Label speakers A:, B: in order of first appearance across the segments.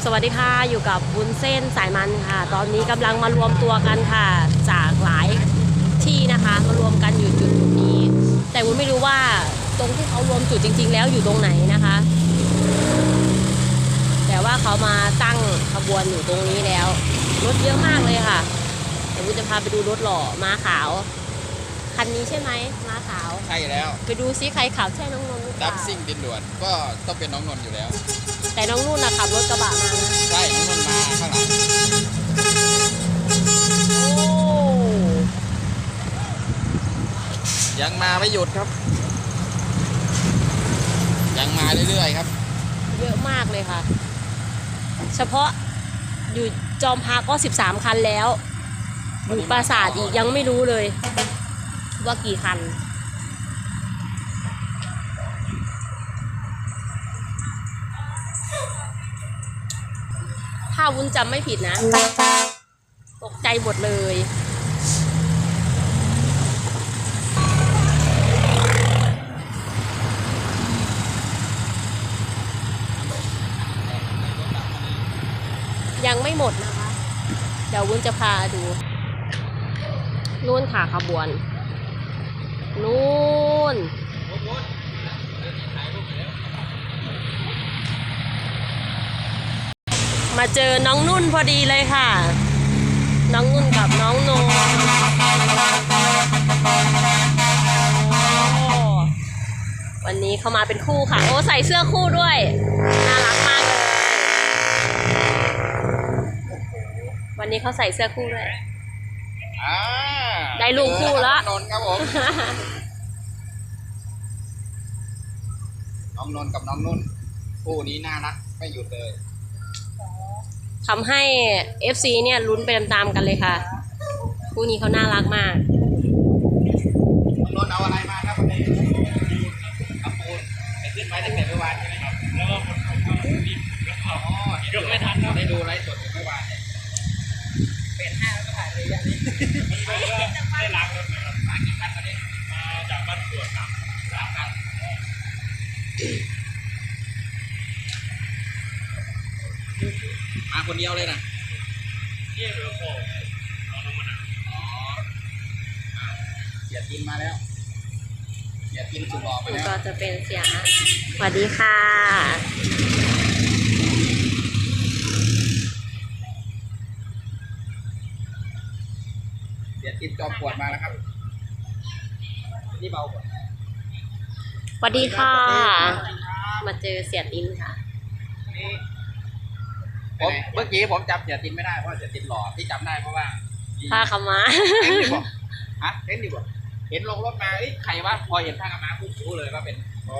A: สวัสดีค่ะอยู่กับวุ้นเส้นสายมันค่ะตอนนี้กำลังมารวมตัวกันค่ะจากหลายที่นะคะมารวมกันอยู่จุดนี้แต่วุ้นไม่รู้ว่าตรงที่เขารวมจุดจริงๆแล้วอยู่ตรงไหนนะคะแต่ว่าเขามาตั้งขบวนอยู่ตรงนี้แล้วรถเยอะมากเลยค่ะแต่วุ้นจะพาไปดูรถหล่อม้าขาวคันนี้ใช่ไหมม้าขาว
B: ใช่แล้ว
A: ไปดูซิใครขับใช่น้องนนท์หรือเป
B: ดั
A: ล่า
B: บซิ่งดินด่วนก็ต้องเป็นน้องนนท์อยู่แล้ว
A: แต่น้องนุ่นนะขับรถกระบะมานะ
B: ใช่น้องนนท์มาข้างหลัง
A: โอ้
B: ยังมาไม่หยุดครับยังมาเรื่อยๆครับ
A: เยอะมากเลยค่ะเฉพาะอยู่จอมพาก็13คันแล้วอยู่ปราสาทอีกยังไม่รู้เลยว่ากี่คันถ้าวุ้นจำไม่ผิดนะตกใจหมดเลยยังไม่หมดนะคะเดี๋ยววุ้นจะพาดูนู่นค่ะขบวนนู่นมาเจอน้องนุ่นพอดีเลยค่ะน้องนุ่นกับน้องโนวันนี้เขามาเป็นคู่ค่ะโอ้ใส่เสื้อคู่ด้วยน่ารักมากเลยวันนี้เขาใส่เสื้อคู่ด้วยได้ลูกคู่แล้ว
B: นนท์ครับผมน้องนนท์กับน้องนุ่นคู่นี้น่ารักไม่หยุดเลย
A: ทำให้ FC เนี่ยลุ้นไปตามๆกันเลยค่ะคู่นี้เขาน่ารักมาก
B: น้องนนท์เอาอะไรมาครับวันนี้เอาปูนไปขึ้นไว้ตั้งแต่เมื่อวานใช่ไหมครับแล้วก็ยกไม่ทันได้ดูไลฟ์สดเมื่อวานเนี่ยเป็น5แล้วก็ถ่ายเลยอย่างนี้ได้ล้างรถไหมครับมากี่คันตอนนี้มาจากบ้านสวนครับ3 คันมาคนเดียวเลยนะนี่เหลือโค้งเอาลงมาหนักเสียตินมาแล้วเสียตินสุดหล่อไปแล้ว
A: ก็จะเป็นเสียงสวัสดีค่ะ
B: เสียตินจอมปวดมาแล้วครับนี่เบากว่า
A: สวัสดีค่ะมาเจอเสียตินค่ะ
B: เมื่อกี้ผมจำเสียตินไม่ได้เพราะเสียตินหล่อที่จำได้เพราะว่า
A: ผ้าขม้า
B: เห็นดิบ่ฮะเห็นดิบ่เห็นลงรถมาใครวะพอเห็นผ้าขม้าปุ๊บรู้เลยว่าเป็นอ๋อ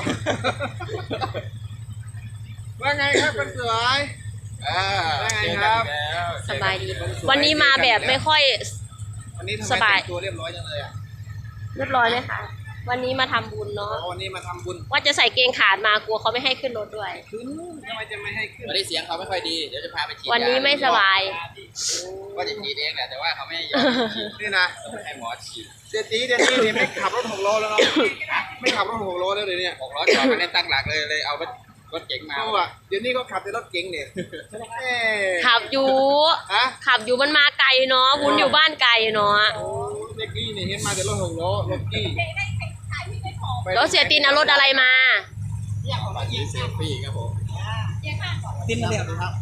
B: ว่าไงครับเป็นสวยว่าไงครับ
A: สบายดีวันนี้มาแบบไม่ค่อย
B: วันนี้สบายตัวเรียบร้อยจังเลยอ่ะ
A: เรียบร้อยไหมคะวันนี้มาทำบุญเนาะ
B: วันนี้มาทำบุญ
A: ว่าจะใส่เกงขาดมากลัวเขาไม่ให้ขึ้นรถด้วย
B: ทำไมจะไม่ให้ขึ้นวันนี้เสียงเขาไม่ค่อยดีเดี๋ยวจะพาไปฉีด
A: วันนี้ไม่สบาย
B: ก็จะฉีดเองแหละแต่ว่าเขาไม่ให้ฉีดนี่นะให้หมอฉีดเดี๋ยวนี้ไม่ขับรถ6 ล้อแล้วเนาะไม่ขับรถ6 ล้อแล้วเลยเนี่ย6 ล้อจอดไม่ได้ตั้งหลักเลยเอารถเก๋งมาเดี๋ยวนี้ก็ขับแต่รถเก๋งเนี่ย
A: ขับอยู่มันมาไกลเนาะวุ้นอยู่บ้านไกลเนาะ
B: โอ้เด็กนี่เนี่ยเห็นมาแต่รถ6 ล้อรถกี้
A: แล้วเสียตินเอารถอะไรมา
B: เซลฟี่ครับผมตินเรียบเลยครับ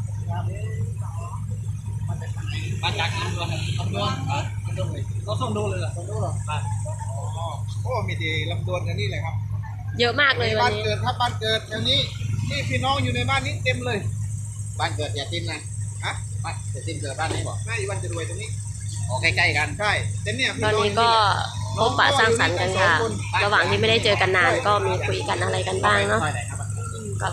B: มาจากลำดวนก็ส่งดูเลยเหรอส่งดูหรอโอ้มีดีลำดวนกันนี่เลยครับ
A: เยอะมากเลย
B: บ้านเกิดครับบ้านเกิดแถวนี้นี่พี่น้องอยู่ในบ้านนี้เต็มเลยบ้านเกิดเสียตินนะฮะบ้านเสียตินเกิดบ้านนี้บอกไม่วันจะรวยตรงนี้ใกล้ๆกันใช่แต่เนี่ย
A: ตอนนี้ก็พบปะสร้างสรรค์กันค่ะระหว่างที่ไม่ได้เจอกันนานก็มีคุยกันอะไรกันบ้างเนาะกับ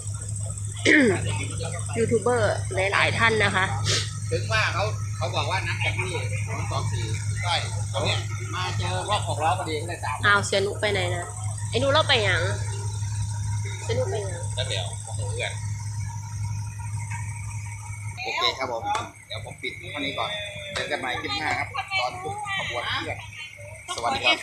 A: ยูทูบเบอร์หลายๆท่านนะคะ
B: ถึงว่าเขาบอกว่านักแข่งที่224ใช่ตอนนี้มาเจอรอบ6 ล้อพอดีก็เลยตาม
A: อ้าวเสียนุไปไหนนะไอ้นุเราไปยังเสียนุไปยัง
B: แล้วเดี๋ยวผมเพื่อนโอเคครับผมเดี๋ยวผมปิดวันนี้ก่อนเจอกันใหม่คลิปหน้าครับตอนขบวนเพื่อนสวัสดีครับ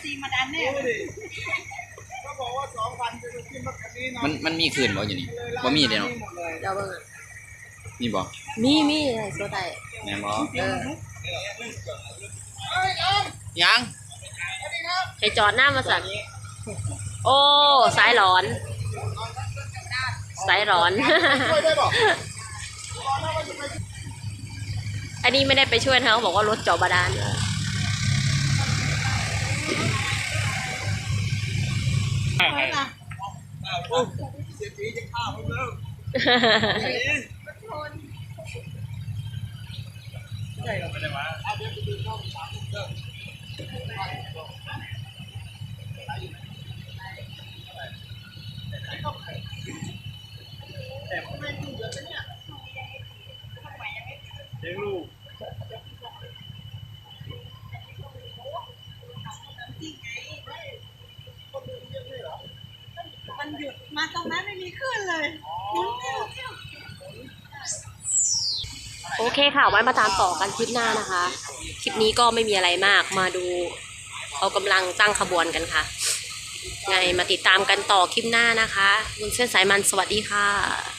B: ก็บอกว่า2,000จะขึ้นรถคันนี้เนาะมันมีคืนบ่อยู่นี่บ่มีเดี๋ยวเนาะ
A: เดี๋ยวเบิ่ง
B: นี่บอก
A: มีโซดา
B: แม่บอกยัง
A: ให้จอดหน้ามาสั่งโอ้สายร้อนสายร้อน
B: ช่วยได้บอก
A: อันนี้ไม่ได้ไปช่วยเขาบอกว่ารถเจาะบาดาล
B: เศรษฐีจะฆ่าผมแล้วใช่เราไม่ได้มาเลี้ยงลูก
C: มันหยุดมาตรงนั้นไม่มีคลื่นเลย
A: โอเคค่ะ ไว้มาตามต่อกันคลิปหน้านะคะ คลิปนี้ก็ไม่มีอะไรมาก มาดูเขากำลังตั้งขบวนกันค่ะ ไงมาติดตามกันต่อคลิปหน้านะคะวุ้นเส้นสายมันสวัสดีค่ะ